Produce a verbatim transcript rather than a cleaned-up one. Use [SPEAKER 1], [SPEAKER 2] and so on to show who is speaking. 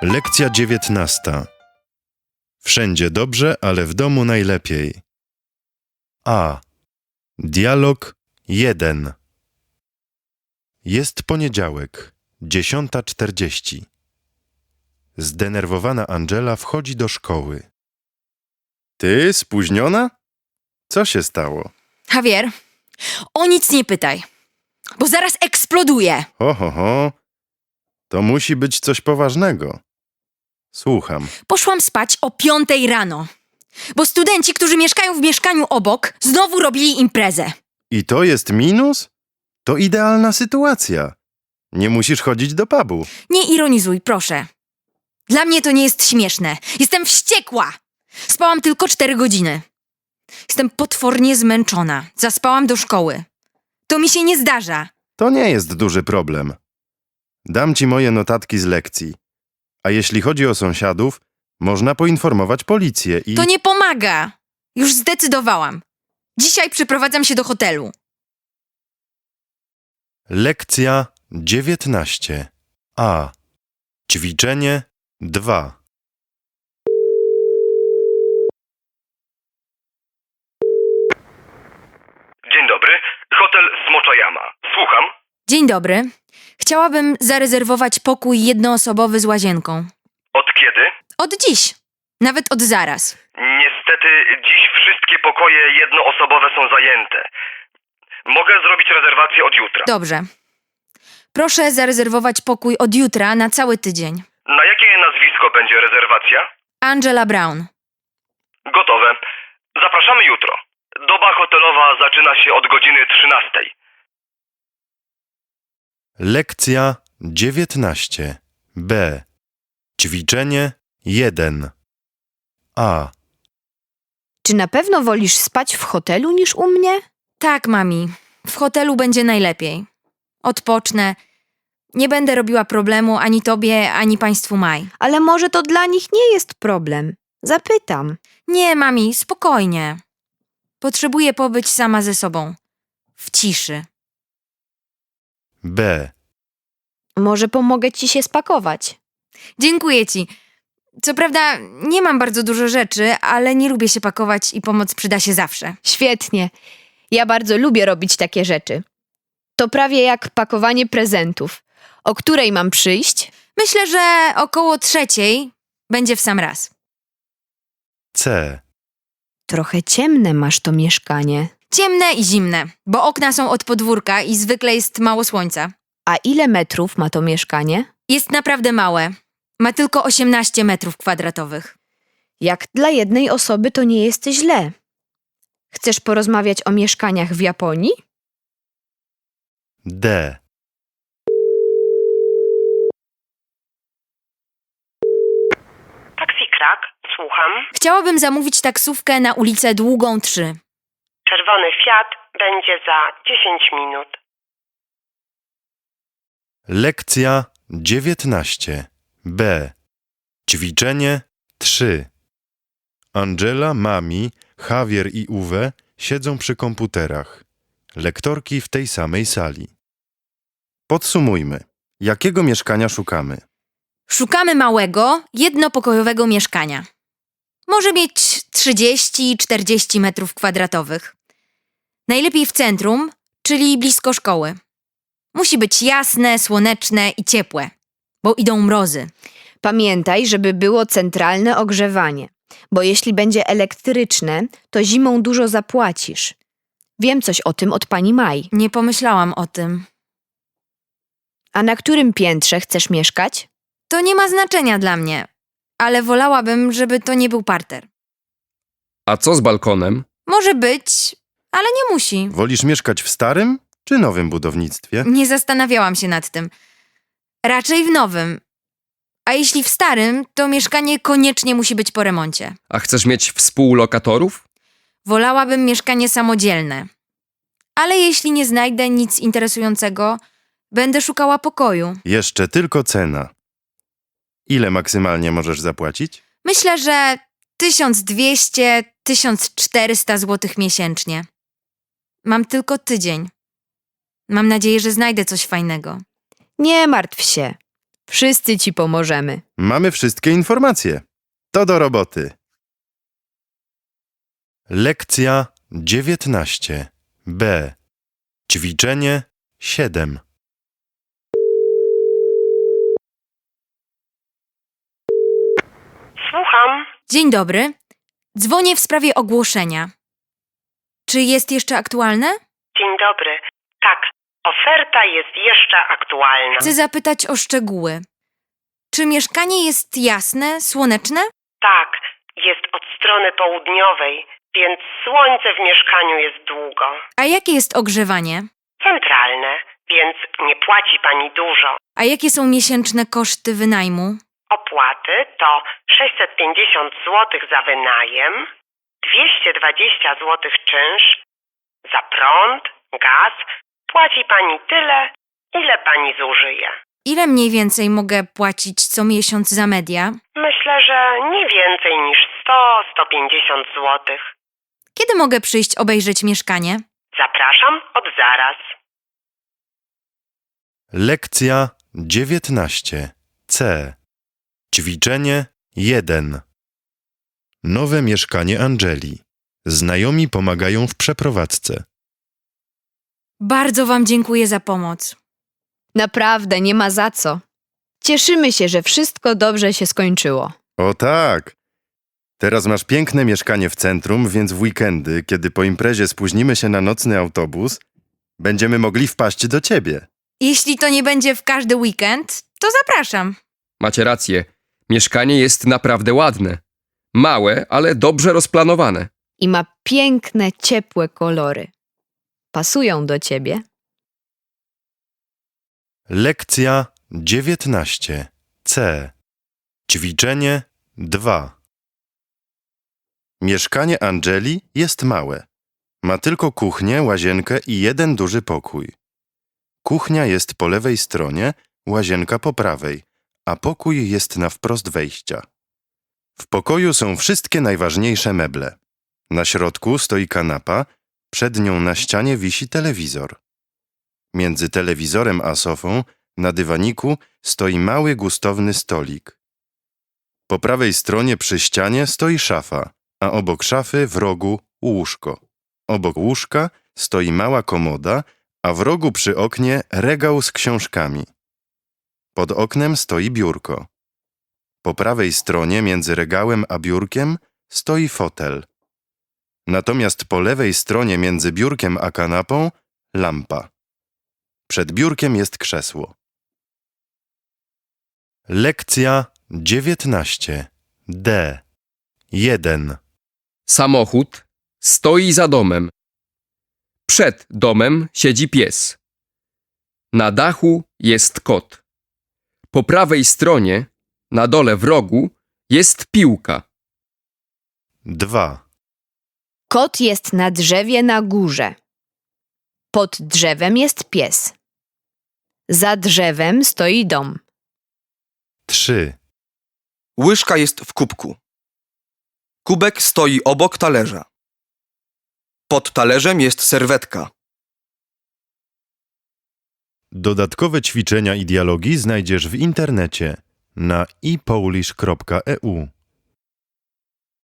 [SPEAKER 1] Lekcja dziewiętnasta. Wszędzie dobrze, ale w domu najlepiej. A. Dialog jeden. Jest poniedziałek, dziesiąta czterdzieści. Zdenerwowana Angela wchodzi do szkoły. Ty spóźniona? Co się stało?
[SPEAKER 2] Javier, o nic nie pytaj, bo zaraz eksploduję.
[SPEAKER 1] Ho, ho, ho. To musi być coś poważnego. Słucham.
[SPEAKER 2] Poszłam spać o piątej rano, bo studenci, którzy mieszkają w mieszkaniu obok, znowu robili imprezę.
[SPEAKER 1] I to jest minus? To idealna sytuacja. Nie musisz chodzić do pubu.
[SPEAKER 2] Nie ironizuj, proszę. Dla mnie to nie jest śmieszne. Jestem wściekła. Spałam tylko cztery godziny. Jestem potwornie zmęczona. Zaspałam do szkoły. To mi się nie zdarza.
[SPEAKER 1] To nie jest duży problem. Dam ci moje notatki z lekcji. A jeśli chodzi o sąsiadów, można poinformować policję i...
[SPEAKER 2] To nie pomaga. Już zdecydowałam. Dzisiaj przyprowadzam się do hotelu.
[SPEAKER 1] Lekcja dziewiętnaście. A. Ćwiczenie dwa.
[SPEAKER 3] Dzień dobry, hotel Smocza Jama. Słucham?
[SPEAKER 2] Dzień dobry. Chciałabym zarezerwować pokój jednoosobowy z łazienką.
[SPEAKER 3] Od kiedy?
[SPEAKER 2] Od dziś. Nawet od zaraz.
[SPEAKER 3] Niestety dziś wszystkie pokoje jednoosobowe są zajęte. Mogę zrobić rezerwację od jutra.
[SPEAKER 2] Dobrze. Proszę zarezerwować pokój od jutra na cały tydzień.
[SPEAKER 3] Na jakie nazwisko będzie rezerwacja?
[SPEAKER 2] Angela Brown.
[SPEAKER 3] Gotowe. Zapraszamy jutro. Doba hotelowa zaczyna się od godziny trzynastej.
[SPEAKER 1] Lekcja dziewiętnaście. B. Ćwiczenie jeden. A.
[SPEAKER 4] Czy na pewno wolisz spać w hotelu niż u mnie?
[SPEAKER 2] Tak, mami. W hotelu będzie najlepiej. Odpocznę. Nie będę robiła problemu ani tobie, ani państwu Maj.
[SPEAKER 4] Ale może to dla nich nie jest problem. Zapytam.
[SPEAKER 2] Nie, mami, spokojnie. Potrzebuję pobyć sama ze sobą. W ciszy.
[SPEAKER 1] B.
[SPEAKER 4] Może pomogę ci się spakować.
[SPEAKER 2] Dziękuję ci. Co prawda nie mam bardzo dużo rzeczy, ale nie lubię się pakować i pomoc przyda się zawsze.
[SPEAKER 4] Świetnie. Ja bardzo lubię robić takie rzeczy. To prawie jak pakowanie prezentów. O której mam przyjść?
[SPEAKER 2] Myślę, że około trzeciej będzie w sam raz.
[SPEAKER 1] C.
[SPEAKER 4] Trochę ciemne masz to mieszkanie.
[SPEAKER 2] Ciemne i zimne, bo okna są od podwórka i zwykle jest mało słońca.
[SPEAKER 4] A ile metrów ma to mieszkanie?
[SPEAKER 2] Jest naprawdę małe. Ma tylko osiemnaście metrów kwadratowych.
[SPEAKER 4] Jak dla jednej osoby to nie jest źle. Chcesz porozmawiać o mieszkaniach w Japonii?
[SPEAKER 1] D.
[SPEAKER 5] Taksi Krak, słucham.
[SPEAKER 2] Chciałabym zamówić taksówkę na ulicę Długą trzy.
[SPEAKER 5] Czerwony Fiat będzie za dziesięć minut.
[SPEAKER 1] Lekcja dziewiętnaście. B. Ćwiczenie trzy. Angela, Mami, Javier i Uwe siedzą przy komputerach. Lektorki w tej samej sali. Podsumujmy. Jakiego mieszkania szukamy?
[SPEAKER 2] Szukamy małego, jednopokojowego mieszkania. Może mieć trzydzieści czterdzieści metrów kwadratowych. Najlepiej w centrum, czyli blisko szkoły. Musi być jasne, słoneczne i ciepłe, bo idą mrozy.
[SPEAKER 4] Pamiętaj, żeby było centralne ogrzewanie, bo jeśli będzie elektryczne, to zimą dużo zapłacisz. Wiem coś o tym od pani Maj.
[SPEAKER 2] Nie pomyślałam o tym.
[SPEAKER 4] A na którym piętrze chcesz mieszkać?
[SPEAKER 2] To nie ma znaczenia dla mnie, ale wolałabym, żeby to nie był parter.
[SPEAKER 6] A co z balkonem?
[SPEAKER 2] Może być, ale nie musi.
[SPEAKER 1] Wolisz mieszkać w starym czy nowym budownictwie?
[SPEAKER 2] Nie zastanawiałam się nad tym. Raczej w nowym. A jeśli w starym, to mieszkanie koniecznie musi być po remoncie.
[SPEAKER 6] A chcesz mieć współlokatorów?
[SPEAKER 2] Wolałabym mieszkanie samodzielne. Ale jeśli nie znajdę nic interesującego, będę szukała pokoju.
[SPEAKER 1] Jeszcze tylko cena. Ile maksymalnie możesz zapłacić?
[SPEAKER 2] Myślę, że tysiąc dwieście do tysiąc czterysta złotych miesięcznie. Mam tylko tydzień. Mam nadzieję, że znajdę coś fajnego.
[SPEAKER 4] Nie martw się. Wszyscy ci pomożemy.
[SPEAKER 1] Mamy wszystkie informacje. To do roboty. Lekcja dziewiętnaście B. Ćwiczenie siedem.
[SPEAKER 5] Słucham.
[SPEAKER 2] Dzień dobry. Dzwonię w sprawie ogłoszenia. Czy jest jeszcze aktualne?
[SPEAKER 5] Dzień dobry. Tak, oferta jest jeszcze aktualna.
[SPEAKER 2] Chcę zapytać o szczegóły. Czy mieszkanie jest jasne, słoneczne?
[SPEAKER 5] Tak, jest od strony południowej, więc słońce w mieszkaniu jest długo.
[SPEAKER 2] A jakie jest ogrzewanie?
[SPEAKER 5] Centralne, więc nie płaci pani dużo.
[SPEAKER 2] A jakie są miesięczne koszty wynajmu?
[SPEAKER 5] Opłaty to sześćset pięćdziesiąt złotych za wynajem, dwieście dwadzieścia złotych czynsz, za prąd, gaz płaci pani tyle, ile pani zużyje.
[SPEAKER 2] Ile mniej więcej mogę płacić co miesiąc za media?
[SPEAKER 5] Myślę, że nie więcej niż sto do stu pięćdziesięciu złotych.
[SPEAKER 2] Kiedy mogę przyjść obejrzeć mieszkanie?
[SPEAKER 5] Zapraszam od zaraz.
[SPEAKER 1] Lekcja dziewiętnaście C. Ćwiczenie jeden. Nowe mieszkanie Angeli. Znajomi pomagają w przeprowadzce.
[SPEAKER 2] Bardzo wam dziękuję za pomoc.
[SPEAKER 4] Naprawdę, nie ma za co. Cieszymy się, że wszystko dobrze się skończyło.
[SPEAKER 1] O tak! Teraz masz piękne mieszkanie w centrum, więc w weekendy, kiedy po imprezie spóźnimy się na nocny autobus, będziemy mogli wpaść do ciebie.
[SPEAKER 2] Jeśli to nie będzie w każdy weekend, to zapraszam.
[SPEAKER 6] Macie rację. Mieszkanie jest naprawdę ładne. Małe, ale dobrze rozplanowane.
[SPEAKER 4] I ma piękne, ciepłe kolory. Pasują do ciebie.
[SPEAKER 1] Lekcja dziewiętnaście C. Ćwiczenie dwa. Mieszkanie Angeli jest małe. Ma tylko kuchnię, łazienkę i jeden duży pokój. Kuchnia jest po lewej stronie, łazienka po prawej, a pokój jest na wprost wejścia. W pokoju są wszystkie najważniejsze meble. Na środku stoi kanapa, przed nią na ścianie wisi telewizor. Między telewizorem a sofą, na dywaniku, stoi mały gustowny stolik. Po prawej stronie przy ścianie stoi szafa, a obok szafy w rogu łóżko. Obok łóżka stoi mała komoda, a w rogu przy oknie regał z książkami. Pod oknem stoi biurko. Po prawej stronie między regałem a biurkiem stoi fotel. Natomiast po lewej stronie między biurkiem a kanapą lampa. Przed biurkiem jest krzesło. Lekcja dziewiętnaście D. jeden.
[SPEAKER 6] Samochód stoi za domem. Przed domem siedzi pies. Na dachu jest kot. Po prawej stronie, na dole w rogu, jest piłka.
[SPEAKER 1] dwa.
[SPEAKER 4] Kot jest na drzewie na górze. Pod drzewem jest pies. Za drzewem stoi dom.
[SPEAKER 1] trzy.
[SPEAKER 7] Łyżka jest w kubku. Kubek stoi obok talerza. Pod talerzem jest serwetka.
[SPEAKER 1] Dodatkowe ćwiczenia i dialogi znajdziesz w internecie na i polish kropka e u.